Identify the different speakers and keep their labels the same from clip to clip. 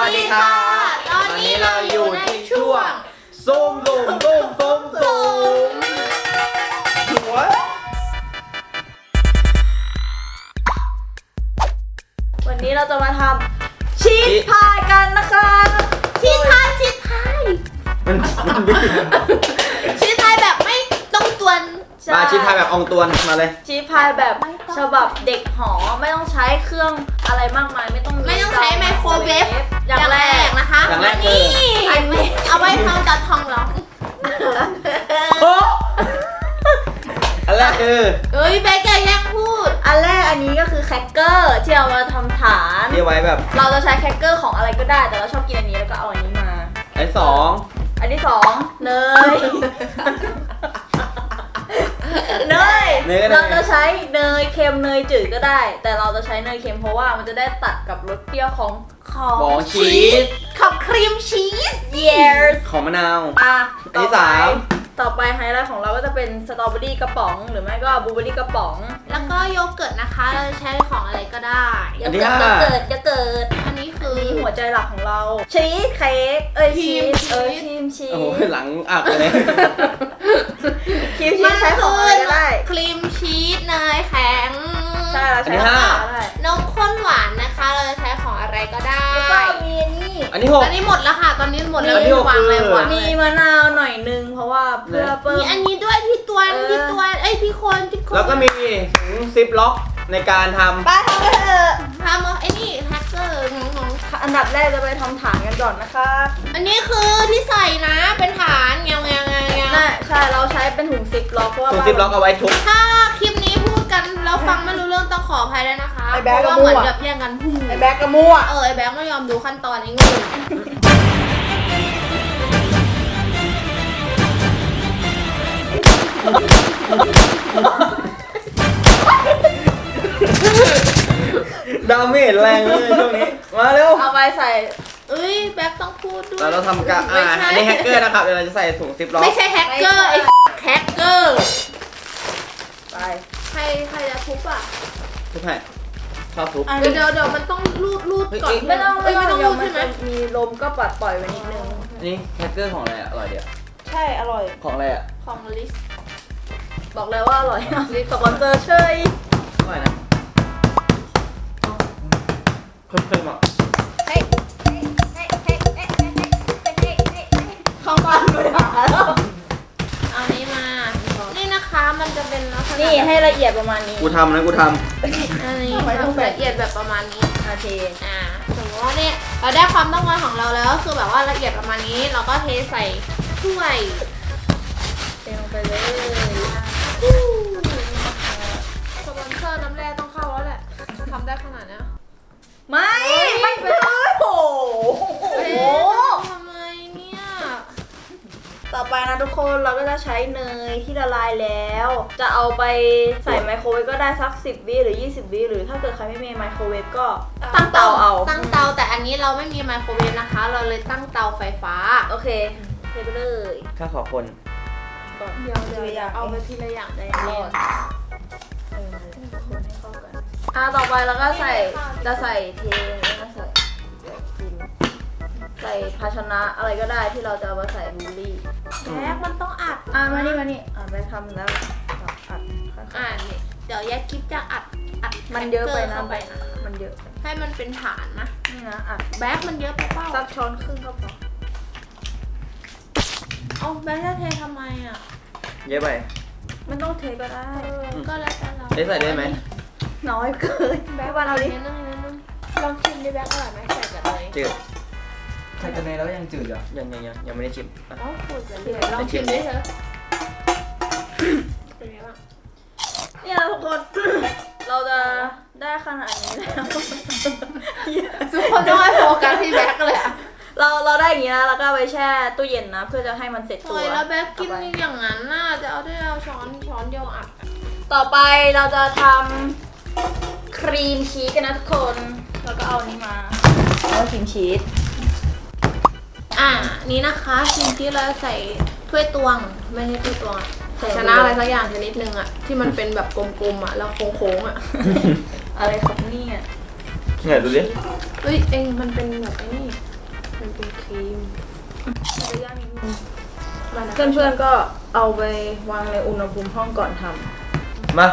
Speaker 1: ดีค่ะตอนนี้เราอยู่ในช่วง
Speaker 2: ส้มหัว
Speaker 1: วันนี้เราจะมาทำชีสพายกันนะคะชีสพาย
Speaker 2: มันไม่กิน
Speaker 3: ชีสไทยแบบไม่ต้องตวน
Speaker 2: มาชีสพายแบบอองตวนมาเลย
Speaker 1: ชีสพายแบบฉบับเด็กหอไม่ต้องใช้เครื่องอะไรมากมายไม่ต้อง
Speaker 3: ใช้ไมโครเวฟ
Speaker 1: อย่างแรก
Speaker 3: นะคะ
Speaker 2: อย่างแรกคือ
Speaker 3: เอาไว้ทำจัดทองร้อง
Speaker 2: อันแรกคือ
Speaker 3: เอ้ยแบกแย่งพูด
Speaker 1: อันแรกอันนี้ก็คือแครกเกอร์ที่เอามาทำฐาน
Speaker 2: ที่ไว้แบบ
Speaker 1: เราจะใช้แครกเกอร์ของอะไรก็ได้แต่เราชอบกินอันนี้แล้วก็เอาอันนี้มา
Speaker 2: อันสอง
Speaker 1: อันที่สองเนย เนยเราจะใช้เนยเค็มเนยจืดก็ได้ แต่เราจะใช้เนยเค็มเพราะว่ามันจะได้ตัดกับรสเปรี้ยวของ
Speaker 2: ของชีส
Speaker 3: ของครีมชีส
Speaker 1: years
Speaker 2: ของมะนาว
Speaker 1: อ่ะ
Speaker 2: อันที่สาม
Speaker 1: ต่อไปไฮไลท์ของเราก็จะเป็นสตรอเบอรี่กระป๋องหรือไม่ก็บลูเบอรี่กระป๋อง
Speaker 3: แล้วก็โยเกิร์ตนะคะ เราจะใช้ของอะไรก็ได้
Speaker 1: อย่าเกิด
Speaker 3: อันนี้คือ
Speaker 1: นี่หัวใจหลักของเราชีสเค้กชีสครีมชีส
Speaker 2: โอ้โหหลังอักเลย
Speaker 1: ครีมชีสใช้ของอะไรก็ได้
Speaker 3: ครีมชีสเนยแข็ง
Speaker 1: ใช่เราใช้ของอะไรก็ได้
Speaker 3: นมข้นหวานนะคะ เราจะใช้ของอะไรก็ได้
Speaker 1: แล้วก็มีนี่
Speaker 2: อันที่หก
Speaker 3: ตอนนี้หมดแล้วค่ะ ตอนนี้หมดแล้ว
Speaker 2: อันที่หก
Speaker 3: วางเลย
Speaker 2: คือ
Speaker 3: วางเล
Speaker 1: มี
Speaker 3: ย
Speaker 1: มะนาวหน่อยนึงเพราะว่าเพื่อเพิ่
Speaker 3: มี
Speaker 1: ม
Speaker 3: อันนี้ด้วยพี่ตวนเอ้ยพี่คน
Speaker 2: แล้วก็มีถุงซิปล็อกในการทำ
Speaker 1: ไปทำกันเถอะ
Speaker 3: ทำไอ้นี่แฮกเกอร์งง
Speaker 1: อันดับแรกจะไปทำฐานกันก่อนนะคะ
Speaker 3: อันนี้คือที่ใส่นะเป็นฐานเงา
Speaker 1: น่าใช่เราใช้เป็นถุงซิปล็อกเพราะว่า
Speaker 2: ถุงซิปล็อกเอาไว้ทุบ
Speaker 3: ถ้าคลิปนี้พูดกันแล้วฟังไม่รู้เรื่องต้องขออภัยด้วยนะคะ
Speaker 1: ไอ้
Speaker 3: เพ
Speaker 1: แบ๊ก
Speaker 3: ราะว่า
Speaker 1: ก็มั่ว
Speaker 3: เหมือนแบบแย่งกันพูด
Speaker 1: ไอ้แบ็กกระมั่ว
Speaker 3: ไอ้แบ๊กไม่ยอมดูขั้นตอนไอ้งู
Speaker 2: ดาเมจแรงเลยช่วงนี้ มาเร็ว
Speaker 1: เอาไปใส่
Speaker 3: เอ้ยแบ๊กต้องพูดด้วย
Speaker 2: เราทำกะ
Speaker 3: ไม่ใช่
Speaker 2: อันนี้แฮกเกอร์นะครับเดี๋ยวเราจะใส่ถุงซิปล็อก
Speaker 3: ไม่ใช่แฮกเกอร์ไอ้แฮกเกอร์
Speaker 1: ไป
Speaker 3: ใครจะทุบอ่ะ
Speaker 2: ทุบให้ชอบทุบ
Speaker 3: เดี๋ยวมันต้องรูดก่อน
Speaker 1: ไม่ต้อง
Speaker 3: ไม่ต้อง
Speaker 1: เดี๋
Speaker 3: รู
Speaker 1: ยว
Speaker 3: ด
Speaker 1: มั
Speaker 3: ใช่
Speaker 1: น
Speaker 3: ไหม
Speaker 1: จะมีลมก็ปัดปล่อยไว้นิดนึง
Speaker 2: อันนี้แฮกเกอร์ของอะไรอะอร่อยเดียว
Speaker 1: ใช่อร่อย
Speaker 2: ของอะไรอะ
Speaker 3: ของลิส
Speaker 1: บอกเลยว่าอร่อยสปอนเซอร์เชย
Speaker 2: อร่อยนะเพิ่มอ่ะ
Speaker 1: เข้าบ้านมาด่าแล้ว
Speaker 3: เอานี้มา นี่นะคะมันจะเป็นลักษณะ
Speaker 1: นี่ให้ละเอียดประมาณนี้
Speaker 2: กูทำนะกูท
Speaker 3: อันนี้
Speaker 1: ทำไมต้องแบบ
Speaker 3: ละเอียดแบบประมาณนี้
Speaker 1: โอเค
Speaker 3: สมมติว่าเนี่ยเราได้ความต้องการของเราแล้วก็คือแบบว่าละเอียดประมาณนี้ เราก็เทใส่ถ้วย
Speaker 1: เทลงไปเลย
Speaker 3: สปอนเซอร์น้ำแร่ต้องเข้าแล้วแหละทำได้ขนาดเนี้ย
Speaker 1: ไม่เป็นเลยโอ้โห
Speaker 3: ทำไมเนี่ย
Speaker 1: ต่อไปนะทุกคนเราก็จะใช้เนยที่ละลายแล้ว จะเอาไปใส่ไมโครเวฟก็ได้สัก10 วิหรือ20 วิหรือถ้าเกิดใครไม่มีไมโครเวฟก็ตั้งเตาเอา
Speaker 3: ตั้งเตาแต่อันนี้เราไม่มีไมโครเวฟนะคะ เราเลยตั้งเตาไฟฟ้า
Speaker 1: โอเคเทไปเลย
Speaker 2: ำข้าขอคน
Speaker 1: ก่อน
Speaker 3: เดี๋ยวเอาไปทีละอย่างได้
Speaker 1: ร
Speaker 3: ร
Speaker 1: อ
Speaker 3: อ
Speaker 1: ด
Speaker 3: ด
Speaker 1: คนให้เข้ากันต่อไปเราก็จะใส่เทแล้วก็ใส่กินใส่ภาชนะอะไรก็ได้ที่เราจะเอามาใส่บลูเบอรี่
Speaker 3: แท็กมันต้องอัด
Speaker 1: มานี่ไปทำแล้วอัดค่อย
Speaker 3: นี่เดี๋ยวแยกคลิปจะอัด
Speaker 1: ๆมันเยอะไปนะ
Speaker 3: เข้าไปนะ
Speaker 1: มันเยอะ
Speaker 3: ให้มันเป็นฐานนะ
Speaker 1: นี่นะอัด
Speaker 3: แบ็คมันเยอะไปเปล่า
Speaker 1: สักช้อนครึ่งก็พอ
Speaker 3: เอาแบ็คจะเททำไมอ่ะ
Speaker 2: เยอะไป
Speaker 1: ไม่ต้องเทก็ได้
Speaker 3: ก็แล้วแต่เรา
Speaker 2: ได้ใส่ได้ไหม
Speaker 1: น้อยเกิน
Speaker 3: แบ็ค
Speaker 1: วันเอาดิ
Speaker 3: นิดนึงลองชิมดิแบ็คอร่อยไหมใส่กับเลย
Speaker 2: จืด
Speaker 4: ใส่กันในแล้วยังจืดอ่ะ
Speaker 2: ยังไม่ได้ชิมอ่ะ
Speaker 3: อ๋อขูดเลยลองชิมดิเถอะเป็นไงบ้าง
Speaker 1: เนี่ยทุกคน เราจะได้ขนาดนี้แล้ว
Speaker 3: ทุกคนต้องให้โฟกัสที่แบ็คเลยอ่ะ
Speaker 1: เราได้อย่างนี้นะแล้วก็เอาไปแช่ตู้เย็นนะ เพื่อจะให้มันเสร็จตั
Speaker 3: โอ้
Speaker 1: วย
Speaker 3: แล้วแบ็คกิน
Speaker 1: ต่อไป
Speaker 3: อย่างนั้นน่ะจะเอาได้เอาช้อนเดียวอัด
Speaker 1: ต่อไปเราจะทำครีมชีสกันนะทุกคน แล้วก็เอานี้มาเอาครีมชีส
Speaker 3: นี้นะคะสิ่งที่เราใส่ถ้วยตวงไม่ใช่ถ้วยตวงภาชนะอะไรสักอย่างชนิดนึงอ่ะที่มันเป็นแบบกลมๆอ่ะแล้วโค้งๆอ่ะ
Speaker 1: อะไรครับเนี่ย
Speaker 2: ไหนดูดิ
Speaker 3: เอ้ยเองมันเป็นแบบไอ้นี่มันเป็นครีม
Speaker 1: จะย่างนิดนึงเพื่อนๆก็เอาไปวางในอุณหภูมิห้องก่อนทำ
Speaker 2: มา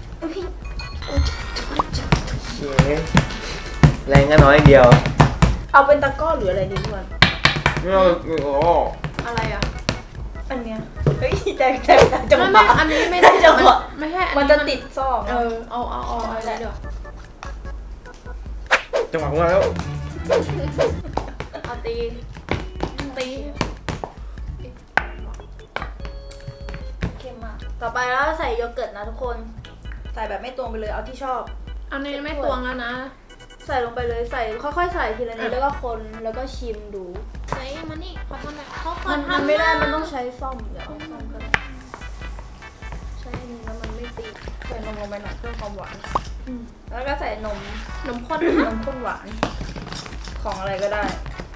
Speaker 2: เย้แรงก็น้อยเดียว
Speaker 1: เอาเป็นตะกร้อหรืออะไรดีทุกคน
Speaker 2: ไม่เอาโอ้
Speaker 3: อะไรอ่ะ
Speaker 1: อันเนี้ยเฮ้ยใจจังห
Speaker 3: ไม่
Speaker 1: วะ
Speaker 3: อันนี้ไม่ได้
Speaker 1: จังหวะ
Speaker 3: ไม่ใช่อั
Speaker 1: มันจะติดซอก
Speaker 3: เอาอะไรเดี๋ยว
Speaker 2: จังหวะของเราแล้ว
Speaker 3: เอาตี
Speaker 1: เข้มมากต่อไปแล้วใส่โยเกิร์ตนะทุกคน ใส่แบบไม่ตวงไปเลยเอาที่ชอบ
Speaker 3: อันนี้ไม่ตวงแล้วนะ
Speaker 1: ใส่ลงไปเลยใส่ค่อยๆใส่ทีละนิดแล้วก็คนแล้วก็ชิมดู
Speaker 3: ใส่มันนี่ขอทำหน่อยเขาขอ
Speaker 1: มัน
Speaker 3: ทำ
Speaker 1: ไม่ได้มันต้องใช้ซ่อมเดี๋ยวเอาซ่อมก็ได้ใช้อันนี้แล้วมันไม่ตีใส่นมลงไปหน่อยเพิ่มความหวานแล้วก็ใส่นม
Speaker 3: นมข้น
Speaker 1: นมข้นหวานของอะไรก็ได้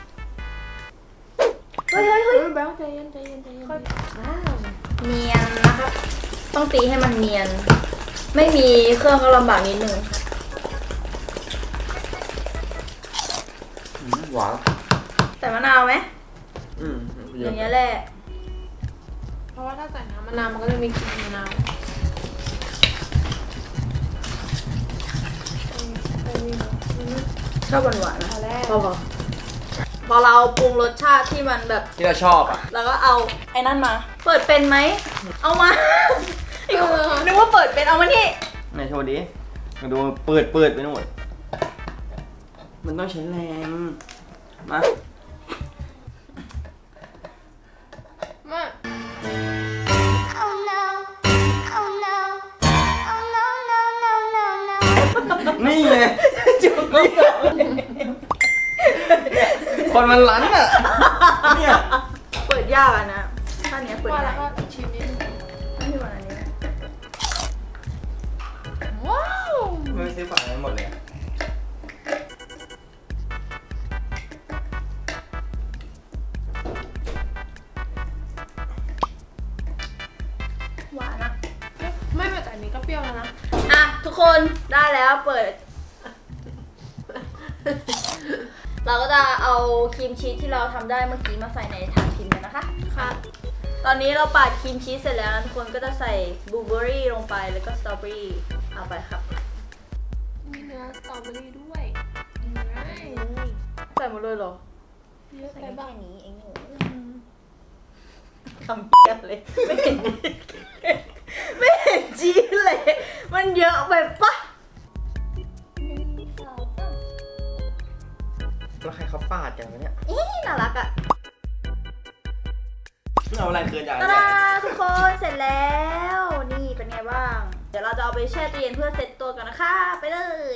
Speaker 1: เฮ้ย
Speaker 3: แบ๊วใจเย็น
Speaker 1: เนียนนะครับ ต้องตีให้มันเนียน ไม่มีเครื่องก็ลำบากนิดนึง
Speaker 2: หวาน
Speaker 1: ใส่มะนาวไหม
Speaker 2: อืม
Speaker 1: อย่างเงี้ยแหละ
Speaker 3: เพราะว่าถ้าใส่น้ำมะนาวมันก็จะมีกลิ่นมะนาว
Speaker 1: ชอบหวานๆนะพอเราปรุงรสชาติที่มันแบบ
Speaker 2: ที่เราชอบอ่ะ
Speaker 1: แล้วก็เอาไอ้นั่นมา เปิดเป็นไหม เอามานึกว่าเปิดเป็นเอามานี่
Speaker 2: ไหนโชว์ดิมาดูเปิดไปหมดมันต้องใช้แรงมา
Speaker 3: มา
Speaker 5: Oh no. Oh no. Oh no, no, no, no, no.
Speaker 2: นี่ไงจุกนี่คนมันรั้นอ่ะเนี่ย
Speaker 1: เปิดยากอะนะถ้าเนี้ยเปิด
Speaker 3: ว่า
Speaker 1: ง่า
Speaker 3: แล้ว
Speaker 1: ย
Speaker 3: ก็ชิมนิดนึง
Speaker 1: ไม่มีวันอันนี้นะ
Speaker 3: ว้าว
Speaker 2: ไม่ซื้อฝานั้นหมดเลยอะ
Speaker 1: หวานอะ
Speaker 3: ไม่แต่อันนี้ก็เปรี้ยวแล้วนะ
Speaker 1: อ่ะทุกคนได้แล้วเปิด เราก็จะเอาครีมชีสที่เราทำได้เมื่อกี้มาใส่ในถาดพิมพ์กันนะคะ
Speaker 3: ค่ะ
Speaker 1: ตอนนี้เราปาดครีมชีสเสร็จแล้วนะทุกคนก็จะใส่บลูเบอร์รี่ลงไปแล้วก็สตรอเบอรี่เอาไปครับ
Speaker 3: มีเนื้อสตรอเบอรี่ด้วย
Speaker 1: ใส่หมดเลยเหรอ
Speaker 3: เยอะ
Speaker 1: ใส่
Speaker 3: ไป
Speaker 1: แค่
Speaker 3: บ้าง
Speaker 1: นี้เองหนูทำเปียบเลย ไม่เห็นจีนเลย มันเยอะไปปะ
Speaker 2: แล้วใครเขาปาดกันวะเนี่ย
Speaker 1: อีน่ารักอะ
Speaker 2: เอาอะไรเกินจาก
Speaker 1: ตาดาทุกคนเสร็จแล้ว นี่เป็นไงบ้าง เดี๋ยวเราจะเอาไปแช่ตู้เย็นเพื่อเซ็ตตัวกันนะคะ ไปเลย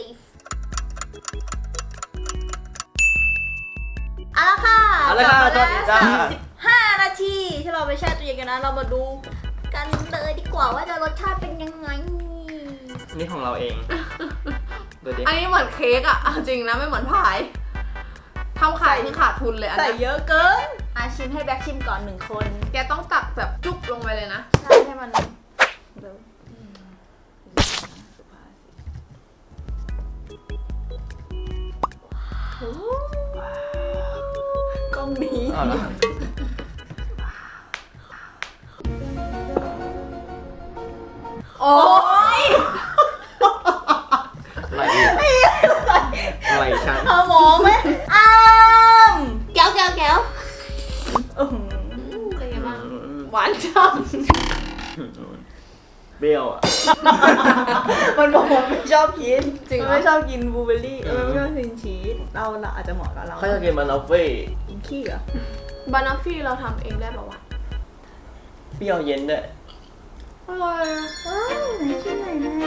Speaker 1: เอาละค่ะ
Speaker 2: เอาละค่ะ
Speaker 1: กลับ
Speaker 2: ตอน
Speaker 1: มา
Speaker 2: นี้
Speaker 1: แล้ว
Speaker 2: จ้า
Speaker 1: 35 นาทีที่เราไปแช่ตู้เย็นกันนะ เรามาดูกันเลยดีกว่าว่าจะรสชาติเป็นยังไง
Speaker 2: นี่ของเราเองดูดิ
Speaker 3: อันนี้เหมือนเค้กอะเอาจริงนะไม่เหมือนพายทำขายที่ขาดทุนเลยอัน
Speaker 1: ใส่
Speaker 3: นี้
Speaker 1: เยอะเกินอาชิมให้แบ็คชิมก่อน1 คน
Speaker 3: แกต้องตักแบบจุ๊บลงไปเลยนะ
Speaker 1: ใช่ให้มันเดี๋ยวกล้องนี้
Speaker 2: เอาละ
Speaker 1: โอ้ย
Speaker 2: อะไรอะไรฉัน
Speaker 1: เอาหมอไหมอ้าม
Speaker 3: แก้ว
Speaker 1: อื้อหือ
Speaker 3: เป็นไงบ้างหวานจัง
Speaker 2: เปรี้ยวอ่ะ
Speaker 1: มันบอกว่าไม่ชอบกิน
Speaker 3: จริงเหร
Speaker 1: มัน
Speaker 3: อ
Speaker 1: ไม่ชอบกินบลูเบอร์รี่มันไม่ชอบกินชีสเราอาจจะเหมาะกับเรา
Speaker 2: เขาจะกินมันเอาเฟ่
Speaker 1: กินขี้เหรอบ
Speaker 3: านาฟี่เราทำเองได้ป่าวะ
Speaker 2: เปรี้ยวเย็นด้วย
Speaker 3: อร่อยอะ
Speaker 1: ว้าวไหนชิมหน่อยนะ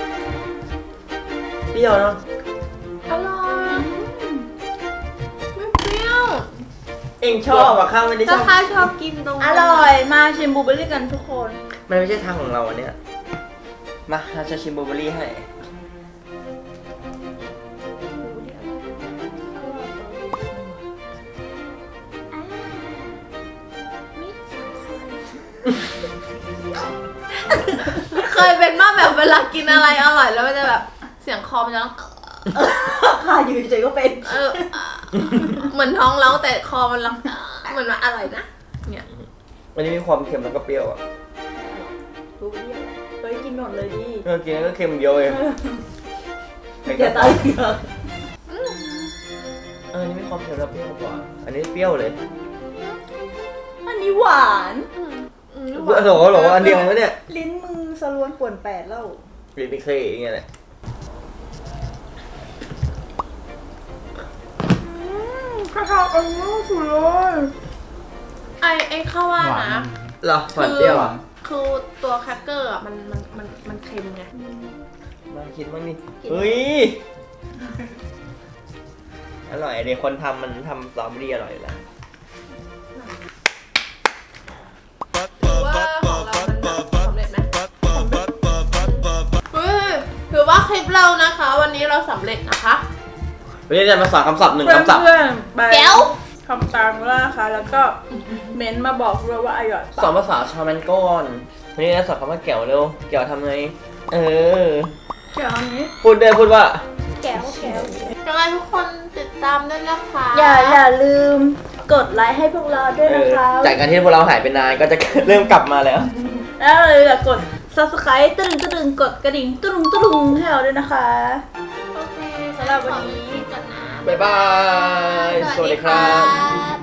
Speaker 2: เปรี้ยวเนาะ
Speaker 3: อร่อยไม่เปรี้ยว
Speaker 2: เองชอบอ่ะข้าวไม่ได้ช
Speaker 3: ถ้า
Speaker 2: อบ
Speaker 3: ข้าชอบกินตรง
Speaker 1: อร่อยมาชิมบลูเบอร์รี่กันทุกคน
Speaker 2: มันไม่ใช่ทางของเราอันเนี้ยมาเราจะชิมบลูเบอร์รี่ให้
Speaker 3: เคยเป็นมากแบบเวลากินอะไรอร่อยแล้วมันจะแบบเสียงคอมันจะต้อง
Speaker 1: ค่ะอยู่เฉยๆก็เป็น
Speaker 3: เออเหมือนท้องร้องแต่คอมันร้องเหมือนว่าอร่อยนะเนี่ย
Speaker 2: มันจะมีความเค็มแล้วก็เปรี้ยวอ่ะ
Speaker 1: รู้เรื่องเฮ้ยกินหมดเลยดิ
Speaker 2: กินแล้วก็เค็มเดียวเอง
Speaker 1: อย่าตายเยอะ
Speaker 2: อันนี้มีความเค็มแล้วเปรี้ยวกว่า อันนี้เปรี้ยวเลย
Speaker 1: อันนี้หวาน
Speaker 2: หรออันเดียวกันไหมเนี่ย
Speaker 1: ลิ้นมึงสลวนป่วนแปดแล้ว
Speaker 2: รีบไปเคยอย่างเงี้ยแหละ
Speaker 1: ข้าวอันนี้สุดเลย
Speaker 3: ไอ้ข้าวว่า
Speaker 4: หวาน
Speaker 3: นะ
Speaker 2: เหรอหวานเปรี้ยวอ่ะ
Speaker 3: คือตัวแครกเกอร์อ่ะมันเค็มไง
Speaker 2: มาคิดบ้างดิเฮ้ย อร่อยเดี๋ยวคนทำมันทำสตรอเบอรี่อร่อยอยู่แล้ว
Speaker 3: ถือว่าของเรามันสำเร็จไหมเฮ้ยถือว่าคลิปเรานะคะ วันนี้เราสำเร็จนะคะ
Speaker 2: วันนี้จะมาสอนคำศัพท์หนึ่งคำศัพท์
Speaker 1: เพื่อนๆไป
Speaker 3: แก้ว
Speaker 1: ทำตามแล้วนะคะ แล้วก็เม้นต์มาบอกด้วยว่าอร่อย
Speaker 2: สอนภาษาชาวแมนก้อนวันนี้จะสอนคำว่าแก้วเร็วแก้วทำไง
Speaker 1: เกี่ยวอันนี้
Speaker 2: พูดว่า
Speaker 1: แก้ว
Speaker 3: ยังไงทุกคนติดตามด้วยนะคะ
Speaker 1: อย่าลืมกดไลค์ให้พวกเราด้วยนะคะ
Speaker 2: จากการที่พวกเราหายไปนานก็จะ เริ่มกลับมาแล้ว
Speaker 1: แล้วอย่ากด subscribe ตึงกดกระดิ่งตึงให้เราด้วยนะคะ
Speaker 3: โอเค
Speaker 1: สำหรับวันนี้
Speaker 3: ก่อนนะ
Speaker 2: บ๊ายบาย สวัสดีครับ
Speaker 3: บ